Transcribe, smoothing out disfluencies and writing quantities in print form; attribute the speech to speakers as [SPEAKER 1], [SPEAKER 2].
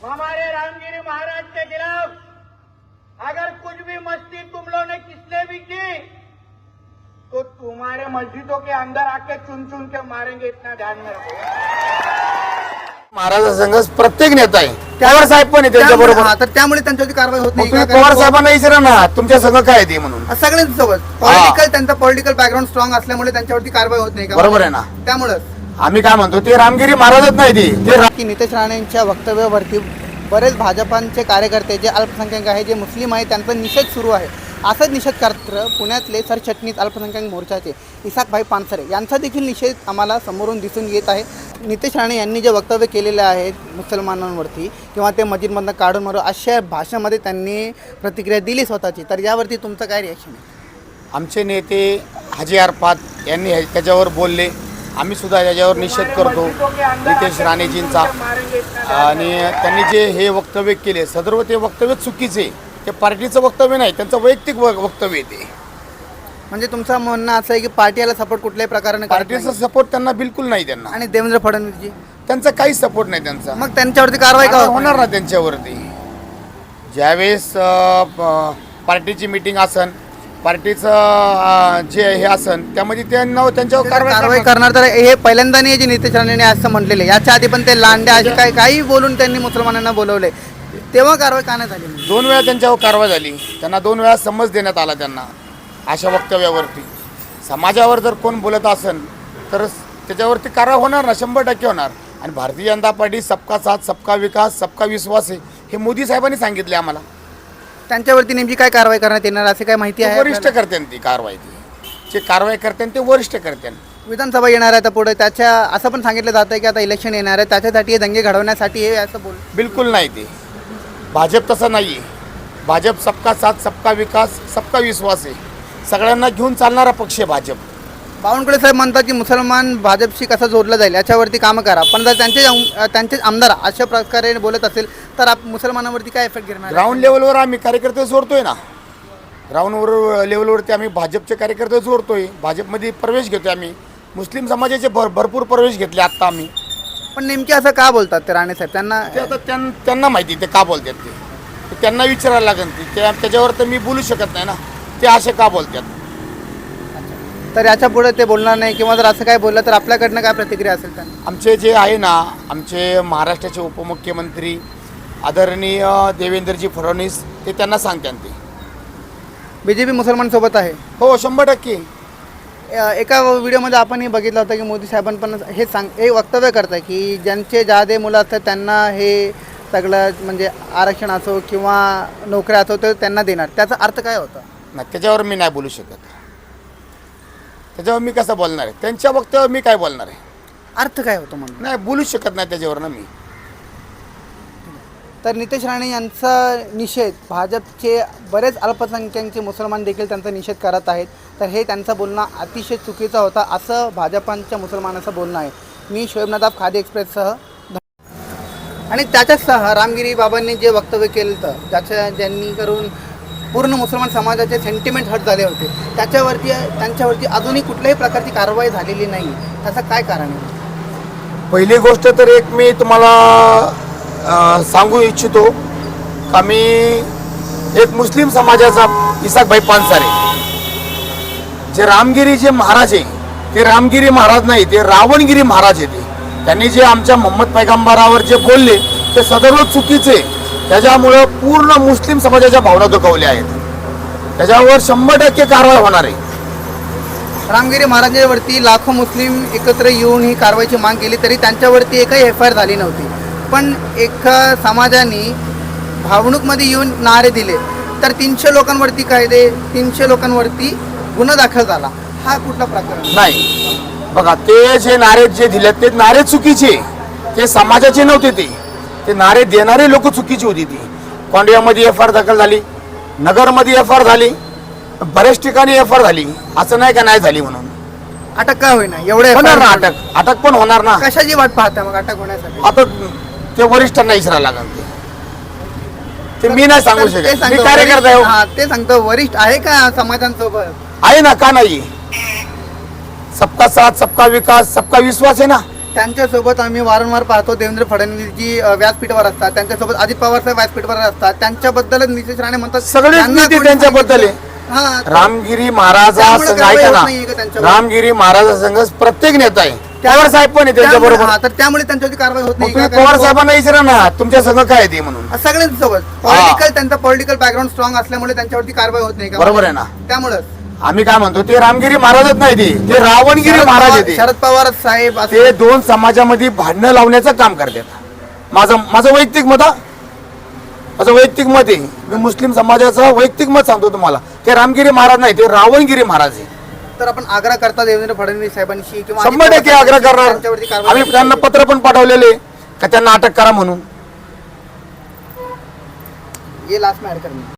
[SPEAKER 1] हमारे रामगिरी महाराज के खिलाफ अगर कुछ भी मस्ती तुम लोगों ने किसने भी की तो तुम्हारे मस्जिदों के अंदर आके चुन चुन के मारेंगे, इतना ध्यान में रखो।
[SPEAKER 2] महाराजांसंग प्रत्येक नेता आहे, पवार साहेब पण आहे त्यांच्या बरोबर.
[SPEAKER 3] तर त्यामुळे त्यांच्यावरती कारवाई होत नाही.
[SPEAKER 2] तुम्ही पवार साहेबांना विचारा ना तुमच्या संघ काय आहे ते म्हणून.
[SPEAKER 3] सगळ्यांसोबत त्यांचा पॉलिटिकल बॅकग्राऊंड स्ट्रॉंग असल्यामुळे त्यांच्यावरती कारवाई होत नाही का?
[SPEAKER 2] बरोबर आहे ना.
[SPEAKER 3] त्यामुळे
[SPEAKER 2] आम्ही काय म्हणतो ते रामगिरी महाराजच नाही ते
[SPEAKER 3] की नितेश राणेंच्या वक्तव्यावरती बरेच भाजपांचे कार्यकर्ते जे अल्पसंख्याक आहे, जे मुस्लिम आहे, त्यांचा निषेध सुरू आहे. असाच निषेध करत पुण्यातले सरचिटणीस अल्पसंख्याक मोर्चाचे इसाकभाई पानसरे यांचा देखील निषेध आम्हाला समोरून दिसून येत आहे. नितेश राणे यांनी जे वक्तव्य केलेले आहेत मुसलमानांवरती किंवा ते मस्जिदमधनं काढून मारू अशा भाषेमध्ये त्यांनी प्रतिक्रिया दिली स्वतःची, तर यावरती तुमचं काय रिॲक्शन आहे?
[SPEAKER 2] आमचे नेते हाजी अरफात यांनी त्याच्यावर बोलले. आम्ही सुद्धा याच्यावर निषेध करतो नितेश राणेजींचा. आणि त्यांनी जे हे वक्तव्य केले सदर्व ते वक्तव्य चुकीचे, ते पार्टीचं वक्तव्य नाही, त्यांचं वैयक्तिक वक्तव्य ते.
[SPEAKER 3] म्हणजे तुमचं म्हणणं असं आहे की पार्टीला सपोर्ट कुठल्याही प्रकारे
[SPEAKER 2] पार्टीचा सपोर्ट त्यांना बिलकुल नाही. त्यांना
[SPEAKER 3] आणि देवेंद्र फडणवीसजी
[SPEAKER 2] त्यांचा काहीच सपोर्ट नाही त्यांचा.
[SPEAKER 3] मग त्यांच्यावरती कारवाई का
[SPEAKER 2] होणार ना त्यांच्यावरती? ज्यावेळेस पार्टीची मीटिंग असन, पार्टीचं जे हे असन त्यामध्ये त्यांच्यावर
[SPEAKER 3] कारवाई करणार. तर हे पहिल्यांदा नाही जे नितेश राणेंनी असं म्हटलेले, याच्या आधी पण ते लांड्या असे काही बोलून त्यांनी मुसलमानांना बोलवले, तेव्हा कारवाई का नाही झाली?
[SPEAKER 2] 2 वेळा त्यांच्यावर कारवाई झाली. त्यांना 2 वेळा समज देण्यात आला त्यांना अशा वक्तव्यावरती. समाजावर जर कोण बोलत असेल तर त्याच्यावरती कारवाई होणार ना, 100% होणार. आणि भारतीय जनता पार्टी सबका साथ सबका विकास सबका विश्वास आहे हे मोदी साहेबांनी सांगितले आम्हाला.
[SPEAKER 3] त्यांच्यावरती नेमकी काय कारवाई करण्यात येणार असे काय माहिती आहे?
[SPEAKER 2] वरिष्ठ करते ती कारवाई, जे कारवाई करते ते वरिष्ठ करते.
[SPEAKER 3] विधानसभा येणार आहे आता पुढे, त्याच्या असं पण सांगितलं जातं की आता इलेक्शन येणार आहे, त्याच्यासाठी हे दंगे घडवण्यासाठी हे असं बोल.
[SPEAKER 2] बिलकुल नाही. ते भाजप तसं नाही आहे. भाजप सबका साथ सबका विकास सबका विश्वास आहे, सगळ्यांना घेऊन चालणारा पक्ष आहे भाजप.
[SPEAKER 3] बावनकुळे साहेब म्हणतात की मुसलमान भाजपशी कसं जोडलं जाईल याच्यावरती कामं करा, पण जर त्यांचे आमदार अशा प्रकारे बोलत असेल तर मुसलमानांवरती काय इफेक्ट घेणार?
[SPEAKER 2] ग्राउंड लेवलवर आम्ही कार्यकर्ते जोडतोय ना. ग्राउंडवर लेवलवरती आम्ही भाजपचे कार्यकर्ते जोडतोय, भाजपमध्ये प्रवेश घेतोय आम्ही. मुस्लिम समाजाचे भरपूर प्रवेश घेतले आत्ता आम्ही.
[SPEAKER 3] पण नेमके असं का बोलतात ते राणे साहेब?
[SPEAKER 2] ते आता त्यांना माहिती ते का बोलतात ते त्यांना विचारायला लागेल. त्याच्यावर तर मी बोलू शकत नाही ना ते असे का बोलतात.
[SPEAKER 3] तर याच्या पुढे ते बोलणार नाही किंवा जर असं काय बोललं तर आपल्याकडनं काय प्रतिक्रिया असेल? त्यांना
[SPEAKER 2] आमचे जे आहे ना, आमचे महाराष्ट्राचे उपमुख्यमंत्री आदरणीय देवेंद्रजी फडणवीस ते त्यांना सांगतात. ते
[SPEAKER 3] बीजेपी मुसलमानसोबत आहे.
[SPEAKER 2] हो 100%.
[SPEAKER 3] एका व्हिडिओमध्ये आपणही बघितलं होतं की मोदी साहेबांनी पण हे वक्तव्य करतं की ज्यांचे जादे मुलं असतात त्यांना हे सगळं म्हणजे आरक्षण असो किंवा नोकऱ्या असो तर त्यांना देणार. त्याचा अर्थ काय होता?
[SPEAKER 2] नाही, त्याच्यावर मी नाही बोलू शकत. त्याच्यावर मी कसं बोलणार आहे? त्यांच्या वक्तव्यावर मी काय बोलणार आहे?
[SPEAKER 3] अर्थ काय होतो म्हणून
[SPEAKER 2] नाही बोलू शकत नाही त्याच्यावर ना मी.
[SPEAKER 3] तर नितेश राणे यांचा निषेध भाजपचे बरेच अल्पसंख्याकांचे मुसलमान देखील त्यांचा निषेध करत आहेत. तर हे त्यांचं बोलणं अतिशय चुकीचं होतं असं भाजपांच्या मुसलमानाचं बोलणं आहे. मी शोएब नदाफ, खादी एक्सप्रेससह. आणि त्याच्याचसह रामगिरी बाबांनी जे वक्तव्य केलं होतं ज्यांनी करून पूर्ण मुसलमान समाजाचे सेंटिमेंट हर्ट झाले होते, त्यांच्यावरती अजूनही कुठल्याही प्रकारची कारवाई झालेली नाही. त्याचं काय कारण आहे?
[SPEAKER 2] पहिली गोष्ट तर एक मी तुम्हाला सांगू इच्छितो का मी एक मुस्लिम समाजाचा इसाकभाई पानसरे, जे रामगिरी जे महाराज आहे ते रामगिरी महाराज नाही, ते रावणगिरी महाराज आहे. त्यांनी जे आमच्या मोहम्मद पैगंबरावर जे बोलले ते सदर्व चुकीचे. त्याच्यामुळं पूर्ण मुस्लिम समाजाच्या भावना दुखावल्या आहेत. त्याच्यावर 100% कारवाई होणार आहे.
[SPEAKER 3] रामगिरी महाराजांवरती लाखो मुस्लिम एकत्र येऊन ही कारवाईची माग केली तरी त्यांच्यावरती एकही FIR झाली नव्हती. पण एका समाजाने भावणूकमध्ये येऊन नारे दिले तर 300 लोकांवरती 300 लोकांवरती गुन्हा दाखल झाला. हा कुठला प्रकार
[SPEAKER 2] नाही? बघा, ते जे नारे जे दिले ते नारे चुकीचे, ते समाजाचे नव्हते. ते नारे देणारे लोक चुकीची होती. ती कोंडियामध्ये FIR दाखल झाली, नगरमध्ये FIR झाली, बऱ्याच ठिकाणी FIR झाली. असं नाही का नाही झाली म्हणून
[SPEAKER 3] अटक का होईना? एवढे
[SPEAKER 2] होणार ना, अटक पण होणार ना.
[SPEAKER 3] कशाची वाट पाहता मग अटक होण्यासाठी?
[SPEAKER 2] आता ते वरिष्ठांना विचारायला लागेल. ते मी नाही सांगू शकत. मी कार्यकर्ता आहे.
[SPEAKER 3] ते सांगतो वरिष्ठ आहे का समाजांसोबत?
[SPEAKER 2] आहे ना, का नाही? सबका साथ सबका विकास सबका विश्वास आहे ना.
[SPEAKER 3] त्यांच्यासोबत आम्ही वारंवार पाहतो देवेंद्र फडणवीस जी व्यासपीठावर असतात, त्यांच्यासोबत अजित पवार साहेब व्यासपीठावर असतात, त्यांच्याबद्दलच नितेश राणे म्हणतात
[SPEAKER 2] सगळेच
[SPEAKER 3] त्यांना
[SPEAKER 2] नेते
[SPEAKER 3] कोणी
[SPEAKER 2] त्यांच्याबद्दल आहे.
[SPEAKER 3] हा,
[SPEAKER 2] रामगिरी महाराजा
[SPEAKER 3] त्यामुळे
[SPEAKER 2] संघ
[SPEAKER 3] कारवाई
[SPEAKER 2] ऐका
[SPEAKER 3] होत
[SPEAKER 2] ना,
[SPEAKER 3] नाहीये का त्यांच्यावर?
[SPEAKER 2] रामगिरी महाराजा संघ प्रत्येक नेता आहे. पवार साहेब पण आहे त्यांच्या बरोबर.
[SPEAKER 3] हा, तर त्यामुळे त्यांच्यावरती कारवाई होत नाही
[SPEAKER 2] तुम्ही
[SPEAKER 3] का?
[SPEAKER 2] पवार साहेबांना विचारा ना तुमच्या संघ काय आहे ते म्हणून.
[SPEAKER 3] सगळ्यांसोबत पॉलिटिकल, त्यांचा पॉलिटिकल बॅकग्राऊंड स्ट्रॉंग असल्यामुळे त्यांच्यावरती कारवाई होत नाही का?
[SPEAKER 2] बरोबर आहे ना.
[SPEAKER 3] त्यामुळे
[SPEAKER 2] आम्ही काय म्हणतो ते रामगिरी महाराजच नाही, ते रावणगिरी महाराज आहे ते.
[SPEAKER 3] शरद पवार साहेब
[SPEAKER 2] ते दोन समाजामध्ये भांडणं लावण्याचं काम करतात. माझं वैयक्तिक मत माझं वैयक्तिक मत आहे. मी मुस्लिम समाजाचं वैयक्तिक मत सांगतो तुम्हाला. ते रामगिरी महाराज नाही, ते रावणगिरी महाराज आहे.
[SPEAKER 3] तर आपण आग्रह करता देवेंद्र फडणवीस साहेबांशी किंवा
[SPEAKER 2] 100% आग्रह करणार.
[SPEAKER 3] त्यांच्यावरती कारवाई
[SPEAKER 2] आम्ही त्यांना पत्र पण पाठवलेले का त्यांना अटक करा म्हणून.
[SPEAKER 3] ये लास्ट में ऐड करना